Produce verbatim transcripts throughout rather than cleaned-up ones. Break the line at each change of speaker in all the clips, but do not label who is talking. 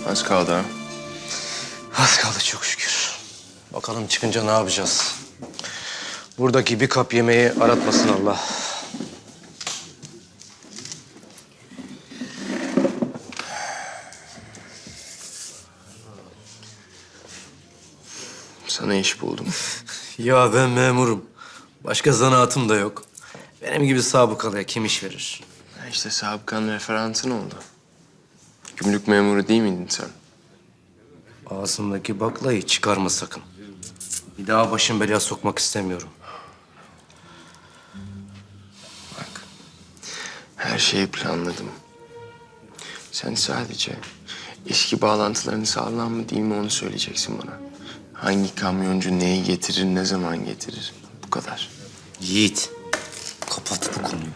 Az kaldı ha.
Az kaldı çok şükür. Bakalım çıkınca ne yapacağız? Buradaki bir kap yemeği aratmasın Allah.
Sana iş buldum.
Ya ben memurum. Başka zanaatım da yok. Benim gibi sabıkalıya kim iş verir?
Ya işte sabıkan referansın oldu. Gümrük memuru değil miydin sen?
Ağzımdaki baklayı çıkarma sakın. Bir daha başım belaya sokmak istemiyorum.
Bak, her şeyi planladım. Sen sadece eski bağlantılarını sağlam mı değil mi onu söyleyeceksin bana. Hangi kamyoncu neyi getirir, ne zaman getirir? Bu kadar.
Yiğit, kapat bu konuyu.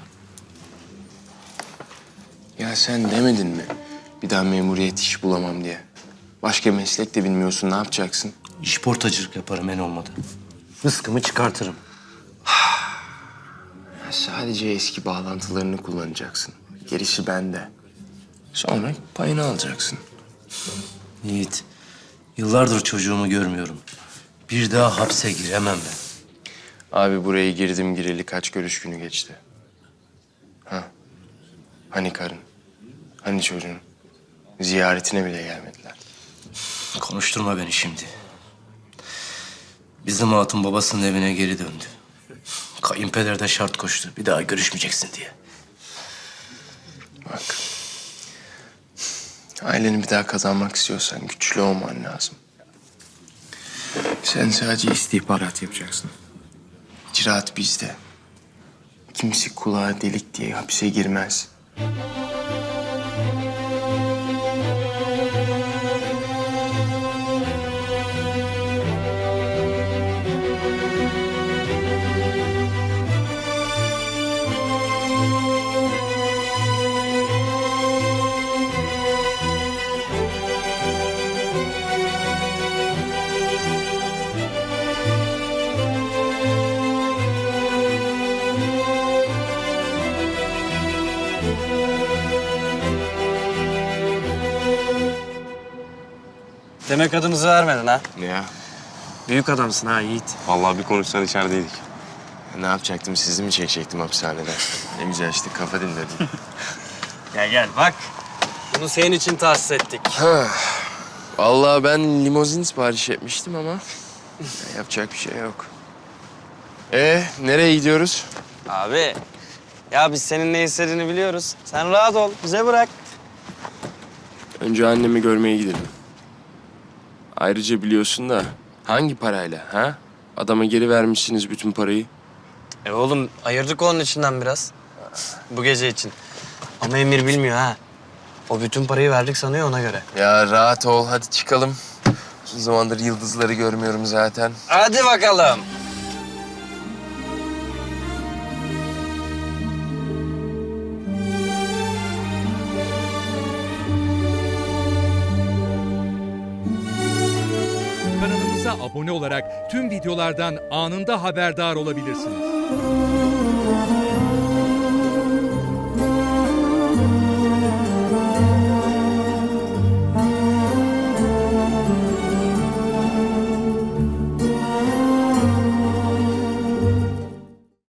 Ya sen demedin mi? Bir daha memuriyet iş bulamam diye. Başka meslek de bilmiyorsun, ne yapacaksın?
İşportacılık yaparım en olmadı. Rızkımı çıkartırım.
Ya sadece eski bağlantılarını kullanacaksın. Gerisi bende. Sonra payını alacaksın.
Yiğit, yıllardır çocuğumu görmüyorum. Bir daha hapse giremem ben.
Abi buraya girdim gireli kaç görüş günü geçti. Ha? Hani karın? Hani çocuğun? Ziyaretine bile gelmediler.
Konuşturma beni şimdi. Bizim hatun babasının evine geri döndü. Kayınpeder de şart koştu. Bir daha görüşmeyeceksin diye.
Bak. Aileni bir daha kazanmak istiyorsan güçlü olman lazım. Sen sadece istihbarat yapacaksın. İcraat bizde. Kimse kulağa delik diye hapise girmez.
Demek adınızı vermedin ha?
Ne ya?
Büyük adamsın ha Yiğit.
Vallahi bir konuşsan içerideydik.
Ne yapacaktım? Sizi mi çekecektim hapishaneden? Ne güzel işte kafa dinledim.
Gel gel bak. Bunu senin için tahsis ettik.
Ha. Vallahi ben limozin sipariş etmiştim ama yapacak bir şey yok. Ee, nereye gidiyoruz?
Abi ya biz senin ne istediğini biliyoruz. Sen rahat ol bize bırak.
Önce annemi görmeye gidelim. Ayrıca biliyorsun da hangi parayla ha? Adama geri vermişsiniz bütün parayı.
E oğlum ayırdık onun içinden biraz. Bu gece için. Ama Emir bilmiyor ha. O bütün parayı verdik sanıyor ona göre.
Ya rahat ol hadi çıkalım. Uzun zamandır yıldızları görmüyorum zaten.
Hadi bakalım.
Kanalımıza abone olarak tüm videolardan anında haberdar olabilirsiniz.